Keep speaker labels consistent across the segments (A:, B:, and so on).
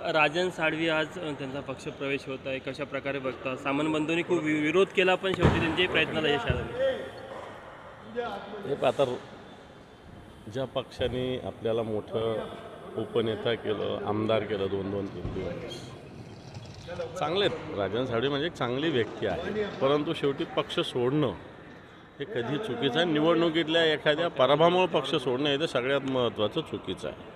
A: राजन साळवी आज त्यांचा पक्ष प्रवेश होत आहे, कशा प्रकारे बघता? सामंत बंधूंनी खूप विरोध केला, पण शेवटी त्यांच्याही प्रयत्नाला यश आलं.
B: हे आता ज्या पक्षाने आपल्याला मोठं उपनेता केलं, आमदार केलं 2-2, 3-3 चांगले आहेत. राजन साळवी म्हणजे एक चांगली व्यक्ती आहे, परंतु शेवटी पक्ष सोडणं हे कधी चुकीचं आहे. निवडणुकीतल्या एखाद्या पराभवामुळे पक्ष सोडणं हे तर सगळ्यात महत्त्वाचं चुकीचं आहे.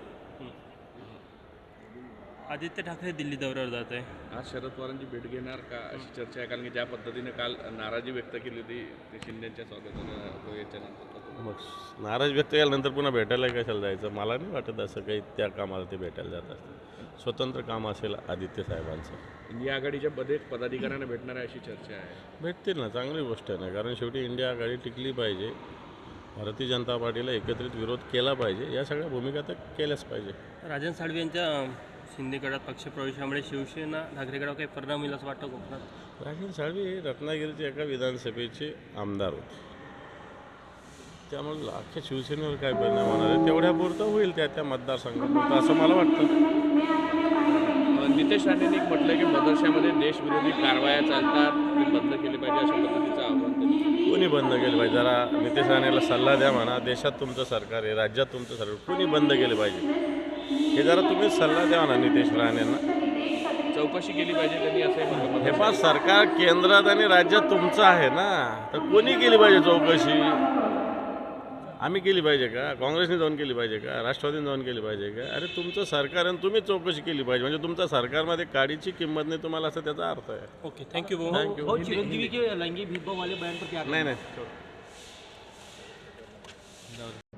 A: आदित्य ठाकरे दिल्ली दौऱ्यावर जात आहे.
C: आज शरद पवारांची भेट घेणार का अशी चर्चा आहे, कारण की ज्या पद्धतीने काल नाराजी व्यक्त केली होती ते शिंदेच्या स्वागतानं याच्यानंतर.
B: मग नाराज व्यक्त केल्यानंतर पुन्हा भेटायला कशाला जायचं? मला नाही वाटत असं काही त्या कामाला ते भेटायला जात असतं. स्वतंत्र काम असेल आदित्य साहेबांचं.
C: इंडिया आघाडीच्या पदाधिकाऱ्यांना भेटणार आहे अशी चर्चा आहे.
B: भेटतील ना, चांगली गोष्ट आहे ना, कारण शेवटी इंडिया आघाडी टिकली पाहिजे. भारतीय जनता पार्टीला एकत्रित विरोध केला पाहिजे, या सगळ्या भूमिका तर केल्याच पाहिजे.
A: राजन साळवी यांच्या शिंदेगडात पक्षप्रवेशामुळे शिवसेना ठाकरेगडावर काही परिणाम होईल असं वाटतं कोकणात?
B: राजन साळवी हे रत्नागिरीचे एका विधानसभेचे आमदार होते, त्यामुळे अख्ख्या शिवसेनेवर काय परिणाम होणार आहे तेवढ्यापुरतं होईल त्या मतदारसंघापुरतं असं मला वाटतं.
C: नितेश राणेंनी म्हटलं की मदरशामध्ये देशविरोधी कारवाया चालतात, ते बंद केले पाहिजे अशा पद्धतीचं आव्हान त्यांनी.
B: कोणी बंद केलं पाहिजे? जरा नितेश राणेला सल्ला द्या म्हणा. देशात तुमचं सरकार आहे, राज्यात तुमचं सरकार, कोणी बंद केले पाहिजे हे जरा तुम्ही सल्ला द्या म्हणा नितेश राणेंना.
C: चौकशी केली पाहिजे त्यांनी असंही म्हटलं.
B: हे पाच सरकार केंद्रात आणि राज्यात तुमचं आहे ना, तर कोणी केली पाहिजे चौकशी? आम्ही केली पाहिजे का? काँग्रेसने जाऊन केली पाहिजे का? राष्ट्रवादीने जाऊन केली पाहिजे का? अरे तुमचं सरकार आहे, तुम्ही चौकशी केली पाहिजे. म्हणजे तुमच्या सरकारमध्ये काडीची किंमत नाही तुम्हाला, असं त्याचा अर्थ आहे.
A: ओके, थँक्यू भाऊ.
B: थँक्यू.
A: चिरंजीवी के लैंगिक भेदभाव वाले बयान पर क्या?
B: नाही.